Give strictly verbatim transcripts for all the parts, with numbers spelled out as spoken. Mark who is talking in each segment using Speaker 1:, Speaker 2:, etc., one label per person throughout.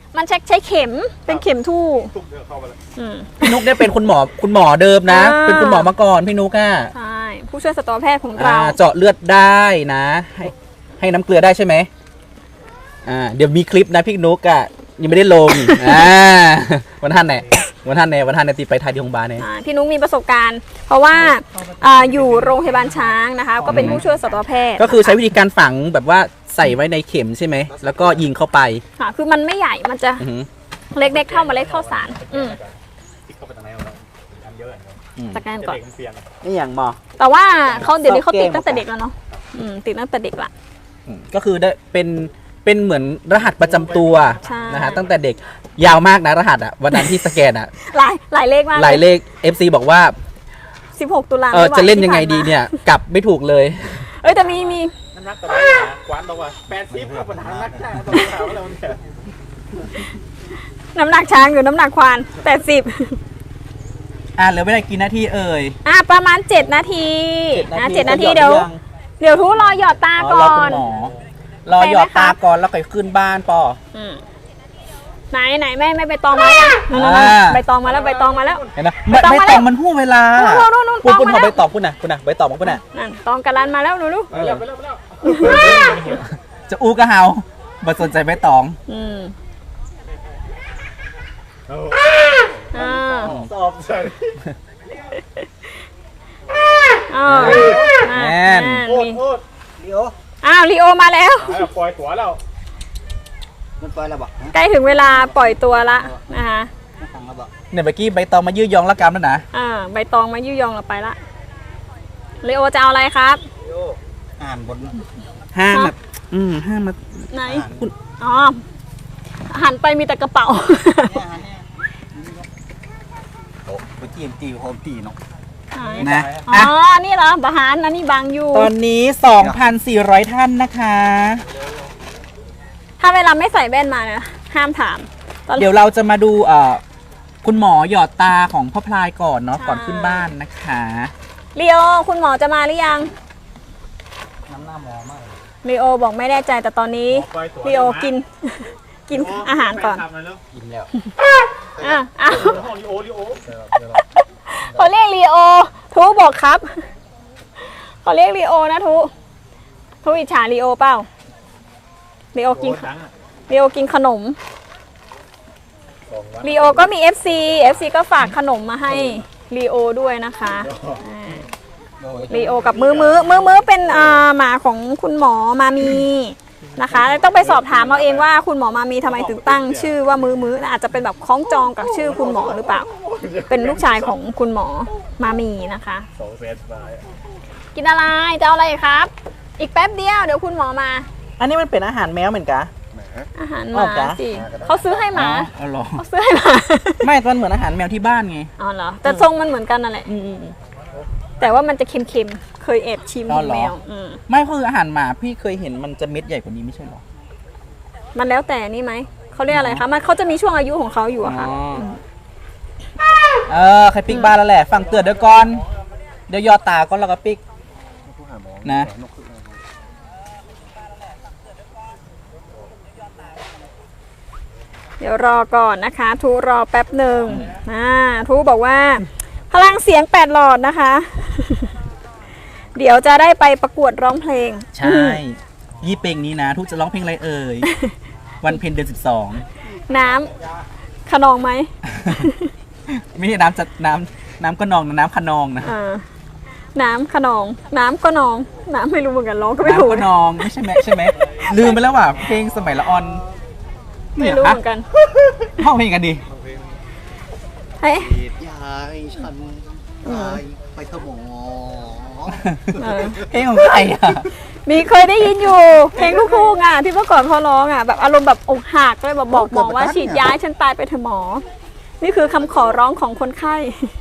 Speaker 1: มันใช้ใช้เข็มเป็นเข็มทู่
Speaker 2: พี่นุกเนี่ยเป็นคุณหมอคุณหมอเดิมนะเป็นคุณหมอมาก่อนพี่นุกอ่ะ
Speaker 1: ใช่ผู้ช่วยสัตวแพทย์ของเรา
Speaker 2: เจาะเลือดได้นะให้ให้น้ำเกลือได้ใช่ไหมอ่าเดี๋ยวมีคลิปนะพี่นุกอ่ะยังไม่ได้ลงอ่าวันท่านไหนวันท่านไหนวันท่านไหนตีไปไทยที่โรงพยาบาลเนี่ย
Speaker 1: พี่นุกมีประสบการณ์ เพราะว่าอยู่โรงพยาบาลช้างนะคะก็เป็นผู้ช่วยสัตวแพทย์
Speaker 2: ก็คือใช้วิธีการฝังแบบว่าใส่ไว้ในเข็มใช่ไหมแล้วก็ยิงเข้าไป
Speaker 1: ค่ะคือมันไม่ใหญ่มันจะเล็กๆเท่าเมล็ดข้าวสารอืมจากนั้นก่อน
Speaker 2: นี่อย่างมอ
Speaker 1: แต่ว่าเขาเดี๋ยวนี้เขาติดตั้งแต่เด็กแล้วเนาะติดตั้งแต่เด็กละ
Speaker 2: ก็คือได้เป็นเป็นเหมือนรหัสประจำตัวนะฮะตั้งแต่เด็กยาวมากนะรหัสอ่ะวันนั้นที่สแกนอ่ะ
Speaker 1: หลายหลายเลขมาก
Speaker 2: หลายเลข เอฟ ซี บอกว่า
Speaker 1: สิบหกตุลา
Speaker 2: เออจะเล่นยังไงดีเนี่ยกลับไม่ถูกเลย
Speaker 1: เอ้ยแต่มีมี
Speaker 3: น้ำหนักตัวไหนกวานบอกว่าแปดสิบกับปัญหานักช้างตัวขาวแล้วเนี่ย
Speaker 1: น้ำหนักช้างอยู่น้ำหนักควานแปดสิบ
Speaker 2: อ่าเหลือไม่ได้กี่นาทีเอ่ย
Speaker 1: อ่าประมาณเจ็ดนาทีอ่าเจ็ดนาทีเดี๋ยวเดี๋ยวทุรอหยอดตาก่อน
Speaker 2: รอหยอดตาก่อนแล้วค่อยขึ้นบ้านปอ
Speaker 1: ไหนไหนแม่แม่ใบตองมาใบตองมาแล้วใบตองมาแล้ว
Speaker 2: เห็นไหมใบตองมันหู้เวลาปุ่นปุ่นเขาใบตองปุ่นน่ะปุ่นน่ะใบตองปุ่นน่ะ
Speaker 1: ตองกระลันมาแล้วดูดู
Speaker 2: จะอู้กระเฮาบ่สนใจใบตอง
Speaker 1: อืม
Speaker 3: สอบใช่
Speaker 1: แน่น
Speaker 3: โอ้โหลีโอ
Speaker 1: อ้าวลีโอมาแล้ว
Speaker 3: ปล่อยตัวแล้ว
Speaker 2: มันปล่อยแล้วบอก
Speaker 1: ใกล้ถึงเวลาปล่อยตัวละนะคะ
Speaker 2: เนี่ยเมื่อกี้ใบตองมายื้อยองละกรรมแล้วนะ
Speaker 1: อ่าใบตองมายื้อยองเราไปละลีโอจะเอาอะไรครับ
Speaker 2: อ่านบนห้ามแบบอืมห้ามมา
Speaker 1: ไหนคุณอ๋อหันไปมีแต่กระเป๋า
Speaker 2: โอ้ไปจีมจีโฮมตีเนาะ
Speaker 1: นะอ๋อนี่เหรอบาฮานนะนี่บางอยู่
Speaker 2: ตอนนี้ สองพันสี่ร้อย ท่านนะคะ
Speaker 1: ถ้าเวลาไม่ใส่แว่นมานะห้ามถาม
Speaker 2: เดี๋ยวเราจะมาดูเอ่อคุณหมอหยอดตาของพ่อพลายก่อนเนาะก่อนขึ้นบ้านนะคะ
Speaker 1: ลีโอคุณหมอจะมาหรือยัง
Speaker 2: น้ำหน้าหมอมาก
Speaker 1: ลีโอบอกไม่แน่ใจแต่ตอนนี้ลีโอกินกินอาหารก่อน
Speaker 2: กินแล้ว
Speaker 1: อ่ะอ้าวเขาเรียกลีโอทูบอกครับเขาเรียกลีโอนะทูทูอิจฉาลีโอเปล่าลีโอกินลีโอกินขนมลีโอก็มี เอฟ ซี เอฟ ซี ก็ฝากขนมมาให้ลีโอด้วยนะคะลีโอกับมือมือมือมือเป็นหมาของคุณหมอมามีนะคะต้องไปสอบถามเอาเองว่าคุณหมอมามีทำไมถึงตั้งชื่อว่ามือมืออาจจะเป็นแบบคล้องจองกับชื่อคุณหมอหรือเปล่าเป็นลูกชายของคุณหมอมามีนะคะกินอะไรจะเอาอะไรครับอีกแป๊บเดียวเดี๋ยวคุณหมอมา
Speaker 2: อันนี้มันเป็นอาหารแมวเหมือนกัน
Speaker 1: อาหารหมาสิเขาซื้อให้หมาเขาซื้อให้หมา
Speaker 2: ไม่มันเหมือนอาหารแมวที่บ้านไง
Speaker 1: อ๋อเหรอแต่ทรงมันเหมือนกันนั่นแหละแต่ว่ามันจะเค็มๆเคยแอบชิมแมว
Speaker 2: ไม่คืออาหารหมาพี่เคยเห็นมันจะเม็ดใหญ่กว่านี้ไม่ใช่หรอ
Speaker 1: มันแล้วแต่นี่ไหมเขาเรียกอะไรคะมันเขาจะมีช่วงอายุของเขาอยู่อะค่ะ
Speaker 2: เออใครปิ๊กบ้านแล้วแหละฟังเตือนเดี๋ยวก่อนเดี๋ยวยอตาก่อนแล้วก็ปิ๊กนะ
Speaker 1: เดี๋ยวรอก่อนนะคะทูรอแป๊บหนึ่งอ่าทูบอกว่าพลังเสียงแปดหลอดนะคะเดี๋ยวจะได้ไปประกวดร้องเพลง
Speaker 2: ใช่ยี่เพลงนี้นะทูจะร้องเพลงอะไรเอ่ยวันเพ็ญเดือนสิบสอง
Speaker 1: น้ำขนองไหม
Speaker 2: ไม่ใช่น้ำจะน้ำน้ำก็นองน้ำขนองนะ
Speaker 1: น้ำขนองน้ำก็นองน้ำไม่รู้เหมือนกันร้องก็ไม่ถูก
Speaker 2: น้ำก็นองไม่ใช่ไหมใช่ไหมลืมไปแล้วว่ะเพลงสมัยละออน
Speaker 1: ไม่รู้เหมือนกัน
Speaker 2: ห้องเพลงกันดี
Speaker 1: เฮ้ย
Speaker 3: ยายฉันยายไปเถอะหมอ
Speaker 2: เพลงของใครอ่ะ
Speaker 1: มีเคยได้ยินอยู่เพลงลูกทุ่งอ่ะที่เมื่อก่อนเขาร้องอ่ะแบบอารมณ์แบบอกหักเลยแบบบอกหมอว่าฉีดยาฉันตายไปเถอะหมอนี่คือคำขอร้องของคนไข้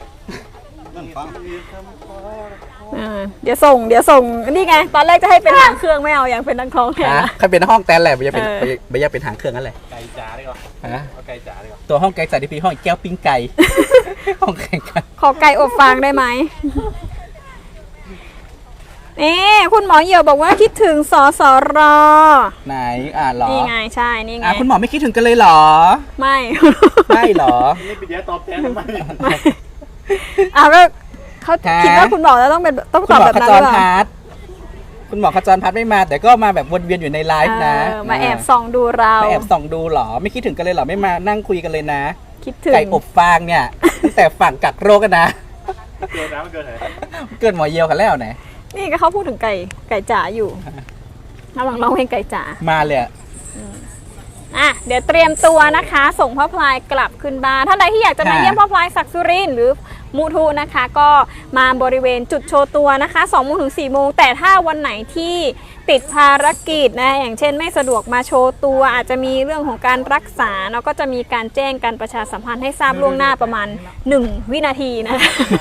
Speaker 1: เดี๋ยวส่งเดี๋ยวส่งนี่ไงตอนแรกจะให้เป็นหางเครื่องไม่เอาอย่างเป็นนักร้องแทน
Speaker 2: ใครเป็นห้องแตนแหละไม่อยากเป็นไม่อยากเป็นหางเครื่องนั่นแหละ
Speaker 3: ไก่จ๋าดีกว่าเอาไก่จ๋าดีกว่า
Speaker 2: ตัวห้องไก่จ๋าที่พี่ห้องแก้วปิ้งไก่ห้องแข่งกัน
Speaker 1: ขอไก่อบฟางได้ไหมนี่คุณหมอเหี่ยวบอกว่าคิดถึงสสร
Speaker 2: ไหนอ่าหรอ
Speaker 1: นี่ไงใช่นี่ไง
Speaker 2: อ่ะคุณหมอไม่คิดถึงกันเลยเหรอ
Speaker 1: ไม่
Speaker 2: ไม่เหรอ
Speaker 3: นี่ปิดแย่ตอบแทนทำไม
Speaker 1: ไม่อ้าวก็เขา
Speaker 2: ฮะ
Speaker 1: คิดว่าคุณหมอจะต้องเป็นต้อง
Speaker 2: คุ
Speaker 1: ต
Speaker 2: ณ
Speaker 1: อบ
Speaker 2: หมอ
Speaker 1: แบบ
Speaker 2: ข
Speaker 1: นั้น
Speaker 2: จ
Speaker 1: ห
Speaker 2: ร
Speaker 1: รือเปล่า
Speaker 2: พัฒน์คุณหมอขจรพัฒน์ไม่มา แต่ก็มาแบบวนเวียนอยู่ในไลฟ์นะ
Speaker 1: เออมาแอบส่องดูเรา
Speaker 2: มาแอบส่องดูเหรอ ไม่คิดถึงกันเลยเหรอ ไม่มานั่งคุยกันเลยนะ
Speaker 1: คิดถึง
Speaker 2: ไก่อบฟางเนี่ย ตั้งแต่ฝั่งกักโรคกันนะ
Speaker 3: เกินนะมันเกินไหน
Speaker 2: เกินหมอเยียวกันแล้วไหน
Speaker 1: นี่ก็เขาพูดถึงไก่ไก่จ๋าอยู่ระหว่างร้องเพลงไก่จ๋า
Speaker 2: มาเลยอะ
Speaker 1: อ่ะเดี๋ยวเตรียมตัวนะคะ ส่งพ่อพลายกลับขึ้นบ้านท่านใดที่อยากจะมาเยี่ยมพ่อพลายศักดิ์สุรินทร์หรือมุทุนะคะ ก็มาบริเวณจุดโชว์ตัวนะคะสองโมงถึงสี่โมงแต่ถ้าวันไหนที่ติดภารกิจนะอย่างเช่นไม่สะดวกมาโชว์ตัว อาจจะมีเรื่องของการรักษาเนาะก็จะมีการแจ้งการประชาสัมพันธ์ให้ทราบล่วงหน้าประมาณหนึ่งวินาทีนะคะ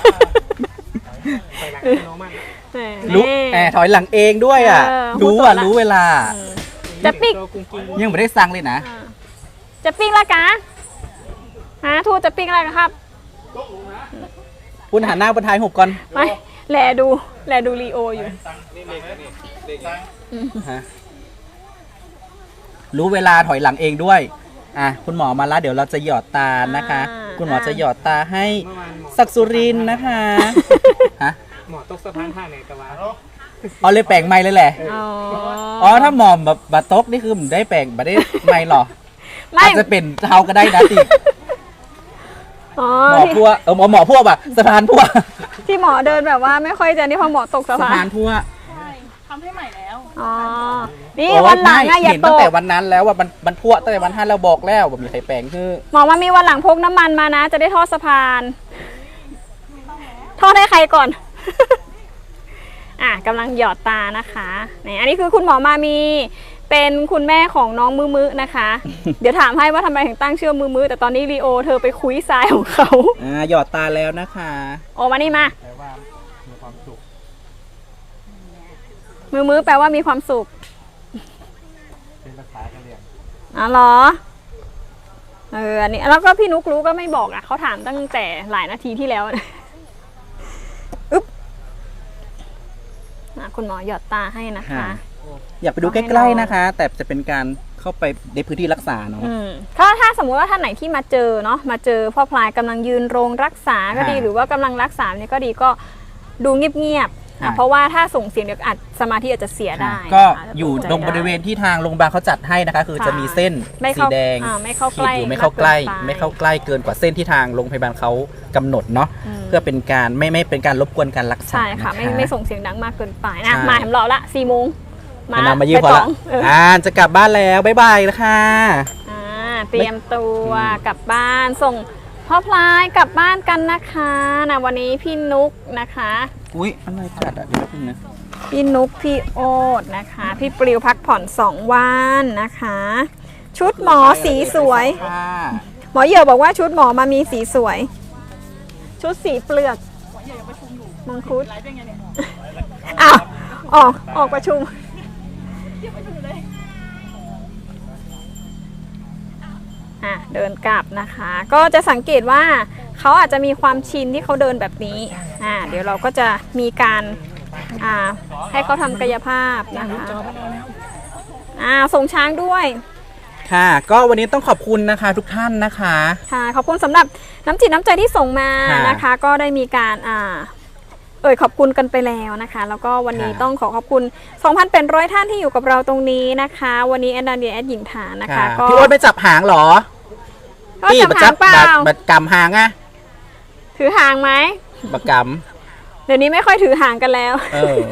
Speaker 2: รู้แอบถอยหลังเองด้วยอ่ะ
Speaker 1: เออ
Speaker 2: รู้
Speaker 1: พูดต่
Speaker 2: อ่ะ
Speaker 1: อละ
Speaker 2: รู้เวลา
Speaker 1: จะปิก
Speaker 2: ยังไม่ได้สั่งเลยนะ
Speaker 1: จะปิ้งละกะฮะทูตจะปิ้งอะไรครับ
Speaker 2: คุณหันหน้าบนท้ายหุบก่อน
Speaker 1: ไม่แลดูแลดูลีโออยู่
Speaker 2: ฮะรู้เวลาถอยหลังเองด้วย อ่ะคุณหมอมาแล้วเดี๋ยวเราจะหยอดตานะคะ
Speaker 1: อ่า
Speaker 2: คุณหมอจะหยอดตาให้ศักดิ์สุรินทร์นะคะฮะ
Speaker 3: หมอตกสะพานท่าไหนตะวัน
Speaker 2: เอาเลยแปลงไม่เลยแหละ
Speaker 1: อ๋อ
Speaker 2: อ๋อถ้าหมอมแบบบัตกนี่คือมันได้แปลงบัได้ไม่หรอ
Speaker 1: ไม่
Speaker 2: อาจจะเป็นเทาก็ได้นะติ
Speaker 1: อ๋อ
Speaker 2: หมอ
Speaker 1: ที่
Speaker 2: พัวเออหมอหมอพัวแบบสะพานพัว
Speaker 1: ที่หมอเดินแบบว่าไม่ค่อยจะนี่พอหมอตกสะ
Speaker 2: สะ
Speaker 1: พา
Speaker 2: พาน นพัว
Speaker 1: อ๋อนี่
Speaker 2: โอ้ย
Speaker 1: วันหลัง
Speaker 2: ไม่
Speaker 1: อะอย่า
Speaker 2: เห็น
Speaker 1: ต
Speaker 2: ตั้ง
Speaker 1: ก
Speaker 2: แต่วันนั้นแล้วว่ามันมันพัวตั้งแต่วันท่านเราบอกแล้วว่ามีใครแปลงคือ
Speaker 1: หมอว่ามีวันหลังพกน้ำมันมานะ จะได้ทอดสะพานทอดให้ใครก่อน อ่ะกำลังหยอดตานะคะนี่อันนี้คือคุณหมอมามีเป็นคุณแม่ของน้องมือมือนะคะ เดี๋ยวถามให้ว่าทำไมถึงตั้งชื่อมือมือแต่ตอนนี้ลีโอเธอไปคุยทรายของเขา
Speaker 2: อ่าหยอดตาแล้วนะคะ
Speaker 1: โอ้มานี่มา
Speaker 3: แปลว่ามีความสุข
Speaker 1: มือมือแปลว่ามีความสุข
Speaker 3: เป็นภาษากะเหรี่ยง
Speaker 1: อ๋อเหรอเอออันนี้แล้วก็พี่นุกรู้ก็ไม่บอกอ่ะเขาถามตั้งแต่หลายนาทีที่แล้วนะอึ๊บอ่ะคุณหมอหยอดตาให้นะคะ
Speaker 2: อยากไปดูใกล้ๆนะคะ แต่จะเป็นการเข้าไปในพื้นที่รักษาเนาะ
Speaker 1: อืมถ้าถ้าสมมุติว่าท่านไหนที่มาเจอเนาะมาเจอพ่อพลายกำลังยืนโรงรักษาก็ดี
Speaker 2: ค่ะ
Speaker 1: หรือว่ากำลังรักษาเนี่ยก็ดีก็ดูเงียบๆอ่ะ
Speaker 2: ค่ะ
Speaker 1: เพราะว่าถ้าส่งเสียงเดี๋ยวอาจสมาธิอาจจะเสียได้
Speaker 2: ก็
Speaker 1: นะคะ
Speaker 2: อยู่
Speaker 1: จะ
Speaker 2: ตรงบริเวณที่ทางโรงพยาบาลเขาจัดให้นะคะ คือจะมีเส้น
Speaker 1: ไม่
Speaker 2: สี
Speaker 1: เข้า
Speaker 2: แดง
Speaker 1: อ่าไม่เข้า
Speaker 2: ขี
Speaker 1: ใก
Speaker 2: ด
Speaker 1: ล้
Speaker 2: อยู่ไม่เข้าใกล้
Speaker 1: มากเกินไป
Speaker 2: ไม่เข้าใกล้เกินกว่าเส้นที่ทางโรงพยาบาลเขากำหนดเนาะ
Speaker 1: อืม
Speaker 2: เพื่อเป็นการไม่ไม่เป็นการรบกวนการรักษา
Speaker 1: ใช่ค่ะ
Speaker 2: น
Speaker 1: ไม่ไม่ส่งเสียงดังมากเกินไปนะ
Speaker 2: ใช่
Speaker 1: มาแถมรอละสี่โมง
Speaker 2: มานามายืมพอ
Speaker 1: ไป
Speaker 2: ละ
Speaker 1: ต่เออ
Speaker 2: อ่าจะกลับบ้านแล้วบ๊ายบายแล้วค่ะ
Speaker 1: อ่าเตรียมตัวกลับบ้านส่งพ่อพลายกลับบ้านกันนะคะนะวันนี้พี่นุกนะคะ
Speaker 2: อุ้ยอะไรกัดอ่ะเดี๋ยวแป๊บนึงนะ
Speaker 1: พี่นุกพี่โอ๊ตนะคะ พี่ปลิวพักผ่อนสองวันนะคะ ชุดหมอสีสวย
Speaker 2: ค่ะ
Speaker 1: หมอเหี่ยวบอกว่าชุดหมอมามีสีสวย ชุดสีเปลือกมังคุดอ้าวออกออกประชุมอ่ะเดินกลับนะคะ ก็จะสังเกตว่าเขาอาจจะมีความชินที่เขาเดินแบบนี้อ่าเดี๋ยวเราก็จะมีการอ่าให้เขาทำกายภาพนะคะอ่าส่งช้างด้วย
Speaker 2: ค่ะ ก็วันนี้ต้องขอบคุณนะคะทุกท่านนะคะ
Speaker 1: ค่ะขอบคุณสำหรับน้ำจิตน้ำใจที่ส่งมา
Speaker 2: ค่ะ
Speaker 1: นะคะ ก็ได้มีการอ่าเอ่ยขอบคุณกันไปแล้วนะคะ แล้วก็วันนี้
Speaker 2: ค่ะ
Speaker 1: ต้องขอขอบคุณ สองพันแปดร้อย ท่านที่อยู่กับเราตรงนี้นะคะ วันนี้แอนนาเดียแอดหญิงฐานนะคะ
Speaker 2: ค่ะ
Speaker 1: ก็
Speaker 2: พี่โอ๊ตไปจับหางเหรอ
Speaker 1: ก็จับหางเปล่า
Speaker 2: บัดบัดกำหางอะ
Speaker 1: ถือหางไหม
Speaker 2: บัดก
Speaker 1: เดี๋ยวนี้ไม่ค่อยถือหางกันแล้ว
Speaker 2: ำเออ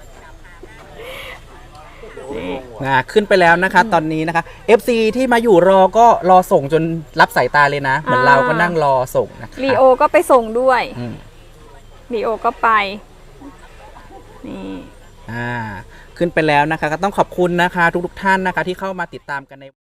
Speaker 2: อ่าขึ้นไปแล้วนะคะ ตอนนี้นะคะ เอฟ ซี ที่มาอยู่รอก็รอส่งจนรับสายตาเลยนะ เหมือน
Speaker 1: อ่า
Speaker 2: เราก็นั่งรอส่งนะคะ
Speaker 1: ลีโอก็ไปส่งด้วย
Speaker 2: อืม
Speaker 1: ลีโอก็ไปนี่
Speaker 2: อ่า ขึ้นไปแล้วนะคะ ก็ต้องขอบคุณนะคะ ทุกๆท่านนะคะ ที่เข้ามาติดตามกันใน